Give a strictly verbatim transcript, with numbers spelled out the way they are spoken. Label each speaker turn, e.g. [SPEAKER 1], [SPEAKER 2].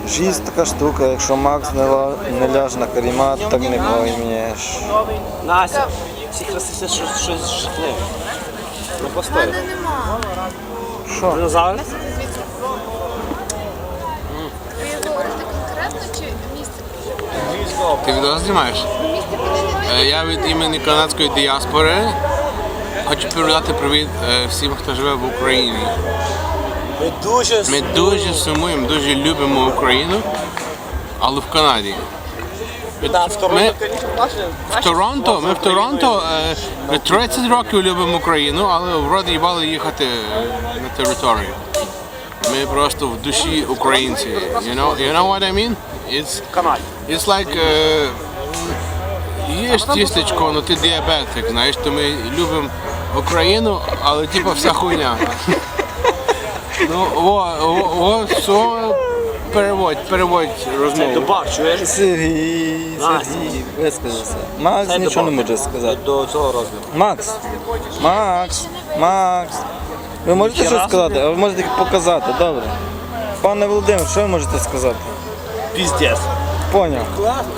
[SPEAKER 1] Жизнь така штука, якщо Макс не, ла... не ляже на карімат, так не поймеш.
[SPEAKER 2] Настя, всі красиві щось, щось жахливе. Ну постой.
[SPEAKER 3] Мене нема.
[SPEAKER 1] Що?
[SPEAKER 2] Динозавр?
[SPEAKER 3] Ви говорите конкретно чи місце?
[SPEAKER 4] Ти відео знімаєш?
[SPEAKER 3] Місце подивитися.
[SPEAKER 4] Е, Я від імені канадської діаспори хочу передати привіт е, всім, хто живе в Україні.
[SPEAKER 2] Ми дуже
[SPEAKER 4] Ми дуже сумуємо, дуже любимо Україну, але в Канаді.
[SPEAKER 2] Да, в Торонто,
[SPEAKER 4] Ми-
[SPEAKER 2] звісно, наші.
[SPEAKER 4] В Торонто, ми в Торонто е, вже тридцять років любимо Україну, але вроді їбали їхати е, на територію. Ми просто в душі українці. You know, you know what I mean? It's,
[SPEAKER 2] Канаді.
[SPEAKER 4] it's like, е, їш тістечко, але ти діабетик, знаєш, то ми любимо Україну, але типу вся хуйня. Ну, о, о, о, все, переводь, переводь розмову.
[SPEAKER 2] Добав, чуєш?
[SPEAKER 1] Сергій,
[SPEAKER 2] Настя.
[SPEAKER 1] Сергій, висказався. Макс
[SPEAKER 2] Це
[SPEAKER 1] нічого не
[SPEAKER 2] добав.
[SPEAKER 1] може сказати.
[SPEAKER 2] До цього розміру.
[SPEAKER 1] Макс, Макс, Макс. Ви можете щось сказати, а ви можете тільки показати, добре? Пане Володимир, що ви можете сказати?
[SPEAKER 2] Піздець.
[SPEAKER 1] Поняв.